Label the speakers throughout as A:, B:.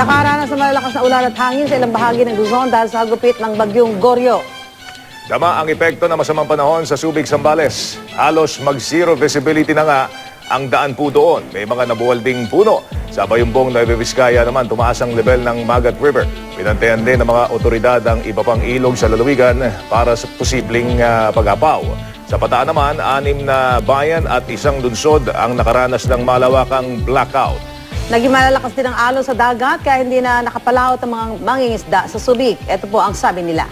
A: Nakaranas ng malalakas na ulan at hangin sa ilang bahagi ng Luzon dahil sa hagupit ng bagyong Goryo.
B: Sama ang epekto ng masamang panahon sa Subic, Zambales. Halos mag-zero visibility na nga ang daan po doon. May mga nabuwalding puno. Sa Bayumbong, Nueva Vizcaya naman, tumaas ang level ng Magat River. Pinantayan din ng mga otoridad ang iba pang ilog sa lalawigan para sa posibleng pag-apaw. Sa Bataan naman, 6 na bayan at 1 lungsod ang nakaranas ng malawakang blackout.
A: Naging malalakas din ang alon sa dagat kaya hindi na nakapalaot ang mga mangingisda sa Subic. Ito po ang sabi nila.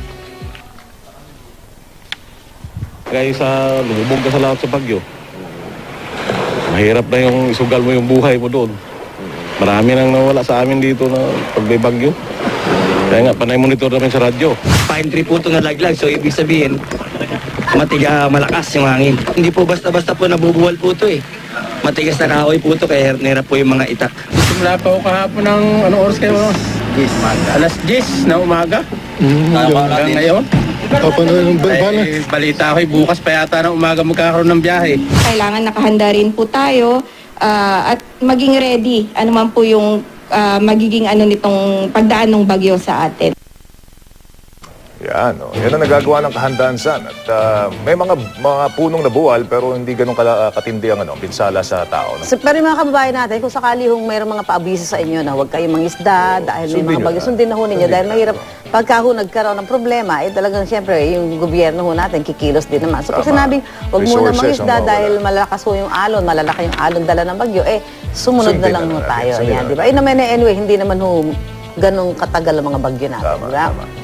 C: Kaya sa lumubog ka sa lahat sa bagyo, mahirap na yung isugal mo yung buhay mo doon. Marami nang nawala sa amin dito na pag may bagyo. Kaya nga, panay monitor namin sa radyo.
D: Pine tree po ito na laglag, so ibig sabihin, malakas yung hangin. Hindi po basta-basta po nabubuwal po ito eh. Matigas na kahoy po ito, kaya nahirap po yung mga itak.
E: Simula pa ako kahapon ng anong oras kayo? 10. Alas 10 na umaga. Hanggang ngayon. Balita ko bukas pa yata ng umaga magkakaroon ng biyahe.
F: Kailangan nakahanda rin po tayo at maging ready. Ano man po yung magiging nitong pagdaan ng bagyo sa atin.
B: Yan, yan ang nagagawa ng kahandaan san. At may mga punong nabuwal pero hindi ganun katindi ang pinsala sa tao. No?
A: Pero yung mga kababayan natin, kung sakali hong mayroong mga paabiso sa inyo na huwag kayong mangisda dahil may mga bagyo, sundin na ho ninyo dahil mahirap pagka ho nagkaroon ng problema, talagang siyempre yung gobyerno ho natin kikilos din naman. So pag sinabing huwag muna mangisda dahil malakas ho yung alon, malalaki yung alon dala ng bagyo, sumunod na lang ho tayo. Yan, di ba? Anyway, hindi naman ho ganun katagal ang mga bagyo natin. Tama, tama.